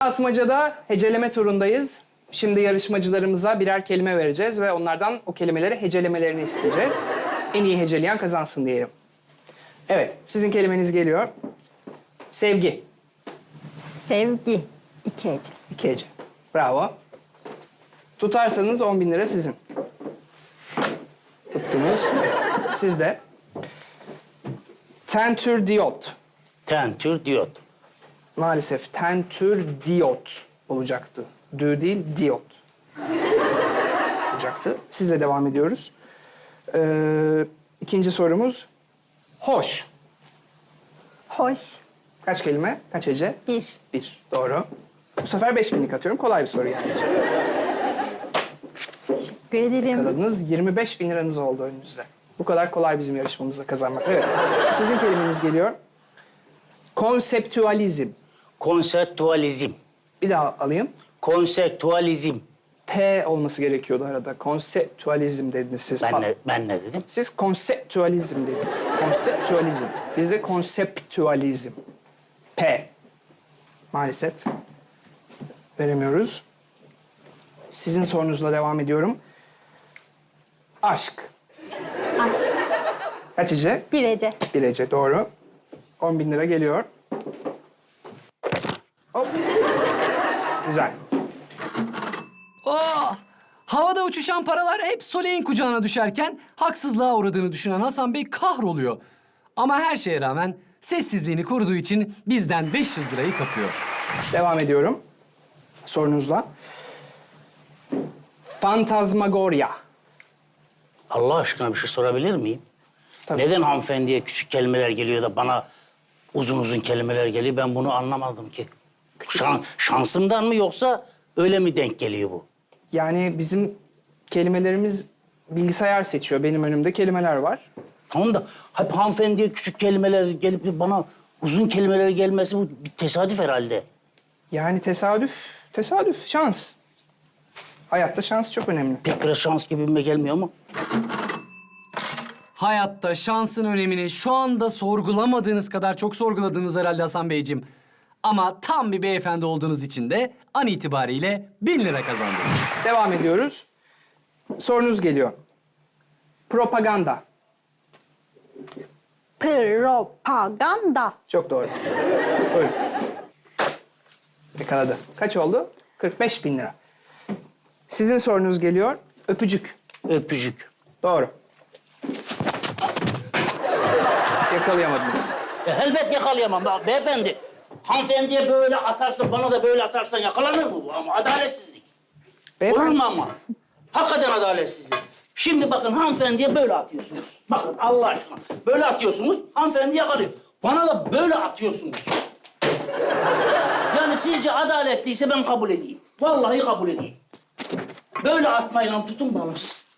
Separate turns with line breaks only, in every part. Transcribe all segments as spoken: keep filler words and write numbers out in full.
Atmaca'da heceleme turundayız. Şimdi yarışmacılarımıza birer kelime vereceğiz ve onlardan o kelimeleri hecelemelerini isteyeceğiz. En iyi heceleyen kazansın diyelim. Evet, sizin kelimeniz geliyor. Sevgi.
Sevgi. İki hece.
İki hece. Bravo. Tutarsanız on bin lira sizin. Tuttunuz. Siz de. Tentür diyot.
Tentür diyot.
Maalesef tentür diyot olacaktı. Dü değil, diyot olacaktı. Sizle devam ediyoruz. Ee, ikinci sorumuz. Hoş.
Hoş.
Kaç kelime? Kaç hece?
Bir.
Bir. Doğru. Bu sefer beş binlik atıyorum. Kolay bir soru yani.
Teşekkür ederim.
Kazandınız. yirmi beş bin liranız oldu önünüzde. Bu kadar kolay bizim yarışmamızda kazanmak. Evet. Sizin kelimeniz geliyor. Konseptüalizm.
Konseptüalizm.
Bir daha alayım.
Konseptüalizm.
P olması gerekiyordu arada. Konseptüalizm dediniz siz.
Ben
Pa-
ne, ben ne dedim?
Siz konseptüalizm dediniz. Konseptüalizm. Bizde konseptüalizm. P. Maalesef veremiyoruz. Sizin sorunuzla devam ediyorum. Aşk.
Aşk.
Kaç hece?
Bir hece.
Bir hece, doğru. on bin lira geliyor. Hop. Güzel.
Aa! Havada uçuşan paralar hep Soleil'in kucağına düşerken haksızlığa uğradığını düşünen Hasan Bey kahroluyor. Ama her şeye rağmen sessizliğini koruduğu için bizden beş yüz lirayı kapıyor.
Devam ediyorum sorunuzla. Fantazmagoria.
Allah aşkına bir şey sorabilir miyim?
Tabii.
Neden hanımefendiye küçük kelimeler geliyor da bana uzun uzun kelimeler geliyor? Ben bunu anlamadım ki. Şan, şansımdan mı yoksa öyle mi denk geliyor bu?
Yani bizim kelimelerimiz bilgisayar seçiyor. Benim önümde kelimeler var.
Tamam da hep hanımefendiye küçük kelimeler gelip de bana uzun kelimeler gelmesi bu bir tesadüf herhalde.
Yani tesadüf, tesadüf, şans. Hayatta şans çok önemli.
Pek biraz şans gibime gelmiyor ama.
Hayatta şansın önemini şu anda sorgulamadığınız kadar çok sorguladınız herhalde Hasan Beyciğim. Ama tam bir beyefendi olduğunuz için de an itibariyle bin lira kazandınız.
Devam ediyoruz. Sorunuz geliyor. Propaganda.
Propaganda.
Çok doğru. Buyurun. Yakaladı. Kaç oldu? kırk beş bin lira. Sizin sorunuz geliyor. Öpücük.
Öpücük.
Doğru. Yakalayamadınız.
E, elbet yakalayamam be- beyefendi. Hanımefendiye böyle atarsan, bana da böyle atarsan yakalanır mı bu? Ama adaletsizlik.
Beyefendi-
Olur mu ama? Hakikaten adaletsizlik. Şimdi bakın hanımefendiye böyle atıyorsunuz. Bakın Allah aşkına. Böyle atıyorsunuz, hanımefendi yakalıyor. Bana da böyle atıyorsunuz. Yani sizce adaletliyse ben kabul edeyim. Vallahi kabul edeyim. Böyle atmayla tutun bana.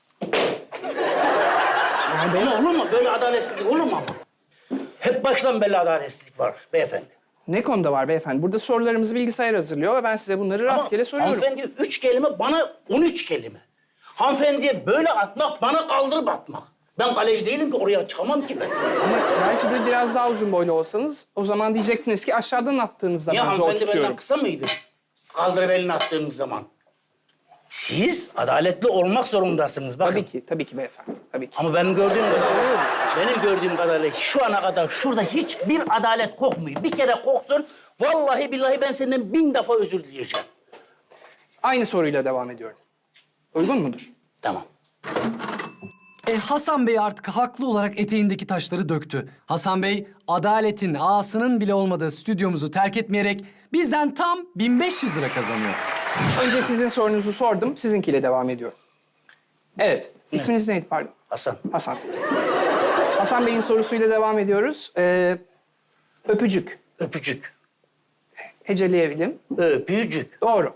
Yani böyle olur mu? Böyle adaletsizlik olur mu ama? Hep baştan belli adaletsizlik var beyefendi.
Ne konuda var beyefendi? Burada sorularımızı bilgisayar hazırlıyor ve ben size bunları rastgele
Ama
soruyorum.
hanımefendiye üç kelime, bana on üç kelime. Hanımefendiye böyle atmak, bana kaldırıp atmak. Ben kaleci değilim ki, oraya çıkamam ki ben.
Ama belki de biraz daha uzun boylu olsanız o zaman diyecektiniz ki aşağıdan attığınızda
Niye
ben zor
hanımefendi benden
tutuyorum.
kısa mıydı? Kaldırıp elini attığınız zaman. Siz adaletli olmak zorundasınız bakın.
Tabii ki, tabii ki beyefendi. Tabii ki.
Ama benim gördüğüm kadarıyla, benim gördüğüm kadarıyla şu ana kadar şurada hiçbir adalet kokmuyor. Bir kere koksun, vallahi billahi ben senden bin defa özür dileyeceğim.
Aynı soruyla devam ediyorum. Uygun mudur?
Tamam.
E, Hasan Bey artık haklı olarak eteğindeki taşları döktü. Hasan Bey, adaletin ağasının bile olmadığı stüdyomuzu terk etmeyerek bizden tam bin beş yüz lira kazanıyor.
Önce sizin sorunuzu sordum, sizinkiyle devam ediyorum. Evet, isminiz neydi pardon?
Hasan.
Hasan. Hasan Bey'in sorusuyla devam ediyoruz. Ee, öpücük.
Öpücük.
Heceleyelim.
Öpücük.
Doğru.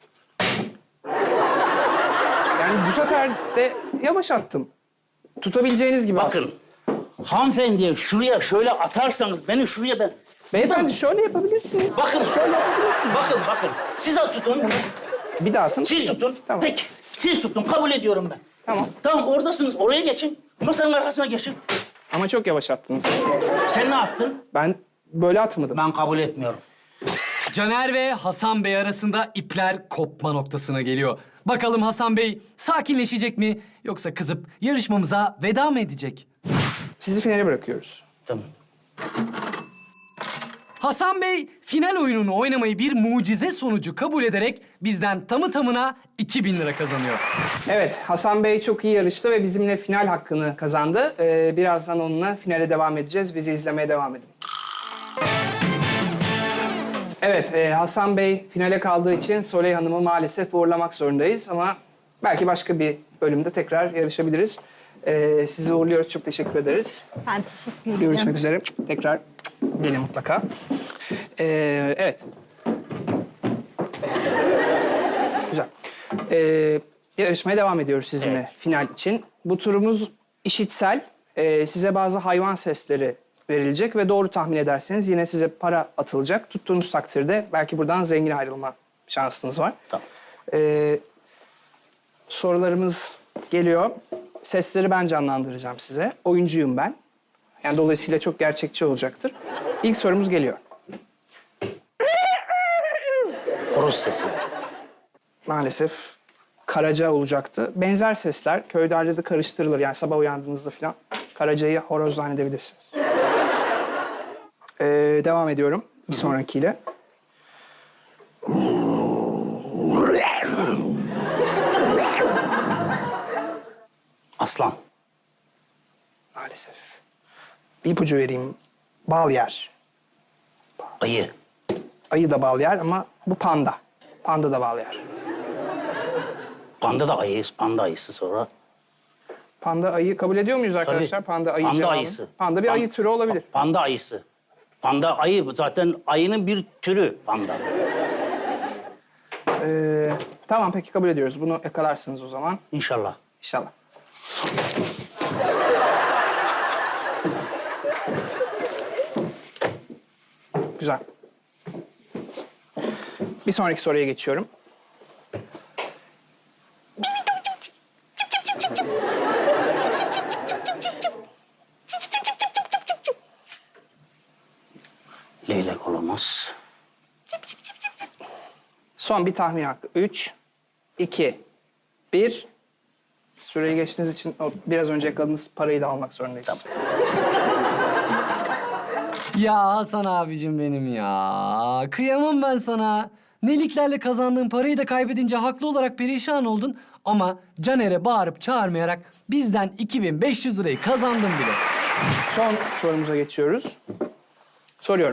Yani bu sefer de yavaş attım. Tutabileceğiniz gibi attım.
Bakın, hanımefendiye şuraya şöyle atarsanız, beni şuraya ben...
Beyefendi şöyle yapabilirsiniz.
Bakın, şöyle yapabilirsiniz. Bakın, bakın. Siz tutun.
Bir daha atın.
Siz tutun.
Tamam.
Peki, siz tutun. Kabul ediyorum ben.
Tamam.
Tamam, oradasınız. Oraya geçin. Masanın arkasına geçin.
Ama çok yavaş attınız.
Sen ne attın?
Ben böyle atmadım.
Ben kabul etmiyorum.
Caner ve Hasan Bey arasında ipler kopma noktasına geliyor. Bakalım Hasan Bey sakinleşecek mi yoksa kızıp yarışmamıza veda mı edecek?
Sizi finale bırakıyoruz.
Tamam.
Hasan Bey final oyununu oynamayı bir mucize sonucu kabul ederek bizden tamı tamına iki bin lira kazanıyor.
Evet, Hasan Bey çok iyi yarıştı ve bizimle final hakkını kazandı. Ee, birazdan onunla finale devam edeceğiz. Bizi izlemeye devam edin. Evet, e, Hasan Bey finale kaldığı için Soley Hanım'ı maalesef uğurlamak zorundayız ama belki başka bir bölümde tekrar yarışabiliriz. Ee, sizi uğurluyoruz, çok teşekkür ederiz.
Ben teşekkür ederim.
Görüşmek üzere. Tekrar gelin mutlaka. Ee, evet. Güzel. Ee, yarışmaya devam ediyoruz sizinle
Evet.
final için. Bu turumuz işitsel. Ee, size bazı hayvan sesleri verilecek ve doğru tahmin ederseniz yine size para atılacak. Tuttuğunuz takdirde belki buradan zengin ayrılma şansınız var.
Tamam.
Ee, sorularımız geliyor. Sesleri ben canlandıracağım size. Oyuncuyum ben. Yani dolayısıyla çok gerçekçi olacaktır. İlk sorumuz geliyor.
Horoz sesi.
Maalesef karaca olacaktı. Benzer sesler köylerde de karıştırılır. Yani sabah uyandığınızda falan karacayı horoz zannedebilirsiniz. Ee, devam ediyorum bir sonrakiyle.
Aslan.
Maalesef. Bir ipucu vereyim. Bal yer.
Ayı.
Ayı da bal yer ama bu panda. Panda da bal yer.
Panda da ayı. Panda ayısı sonra.
Panda ayı kabul ediyor muyuz arkadaşlar?
Tabii.
Panda ayı
Panda
cevabı.
ayısı.
Panda bir
Pan-
ayı türü olabilir.
Panda ayısı. Panda ayı zaten ayının bir türü panda.
Ee, tamam peki kabul ediyoruz. Bunu yakalarsınız o zaman.
İnşallah.
İnşallah. Güzel. Bir sonraki soruya geçiyorum.
Leylek olamaz.
Son bir tahmin hakkı. Üç, iki, bir. Süreyi geçtiğiniz için o biraz önce yakaladığınız parayı da almak zorundayız.
Ya Hasan abicim benim ya. Kıyamam ben sana. Neliklerle kazandığın parayı da kaybedince haklı olarak perişan oldun. Ama Caner'e bağırıp çağırmayarak bizden iki bin beş yüz lirayı kazandın bile.
Son sorumuza geçiyoruz. Soruyorum.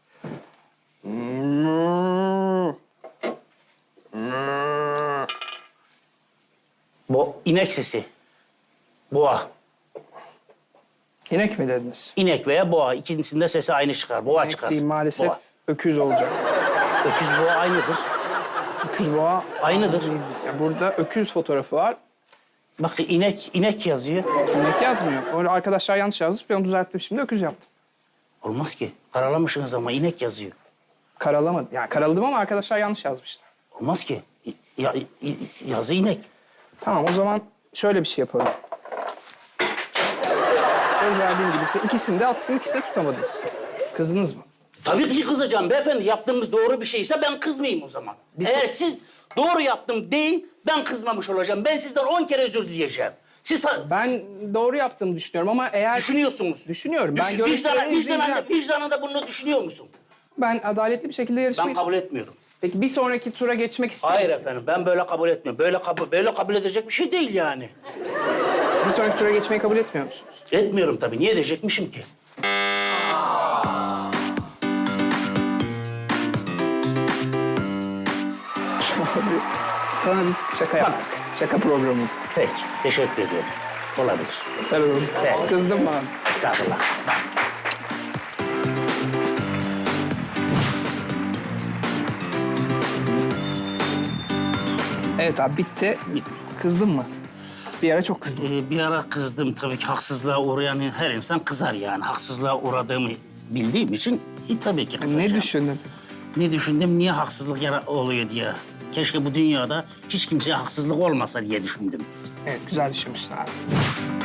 Bu inek sesi. Boğa.
İnek mi dediniz?
İnek veya boğa. İkincisinde sesi aynı çıkar. Boğa
İnek
çıkar.
değil maalesef
Boğa.
öküz olacak.
Öküz boğa aynıdır.
Öküz boğa
Aynıdır.
ya burada öküz fotoğrafı var.
Bak inek, inek yazıyor.
İnek yazmıyor. Öyle arkadaşlar yanlış yazmış. Ben onu düzelttim şimdi öküz yaptım.
Olmaz ki. Karalamışsınız ama inek yazıyor.
Karalamadım. Yani karaladım ama arkadaşlar yanlış yazmışlar.
Olmaz ki. Ya, i- yazı inek.
Tamam o zaman şöyle bir şey yapalım. Söz verdiğim gibi size ikisini de attım, ikisini de tutamadınız. Kızdınız mı?
Tabii ki kızacağım beyefendi. Yaptığımız doğru bir şeyse ben kızmayayım o zaman.
Biz-
Eğer siz doğru yaptım deyin, ben kızmamış olacağım. Ben sizden on kere özür dileyeceğim. Siz ha-
Ben doğru yaptığımı düşünüyorum ama eğer...
düşünüyorsunuz.
Düşünüyorum. Ben
Düşün,
görüntüleri
vicdana, vicdanında,
izleyeceğim.
vicdanında bunu düşünüyor musun?
Ben adaletli bir şekilde
Ben
yarışmayı...
kabul etmiyorum.
Peki bir sonraki tura geçmek istiyor
Hayır
musun?
efendim, ben böyle kabul etmiyorum. Böyle kabul, böyle kabul edecek bir şey değil yani.
Bir sonraki tura geçmeyi kabul etmiyor musunuz?
Etmiyorum tabii. Niye edecekmişim ki?
Sana biz şaka yaptık. Şaka programı.
Peki, teşekkür ediyorum. Olabilir.
Sarılın.
Evet.
Kızdın mı abi?
Estağfurullah.
Evet abi bitti.
Bitti.
Kızdın mı? Bir ara çok kızdım.
Ee, bir ara kızdım tabii ki haksızlığa uğrayan her insan kızar yani. Haksızlığa uğradığımı bildiğim için e, tabii ki kızacağım.
Ne düşündün?
Ne düşündüm? Niye haksızlık yara- oluyor diye. Keşke bu dünyada hiç kimseye haksızlık olmasa diye düşündüm.
Evet güzel düşünmüşsün abi.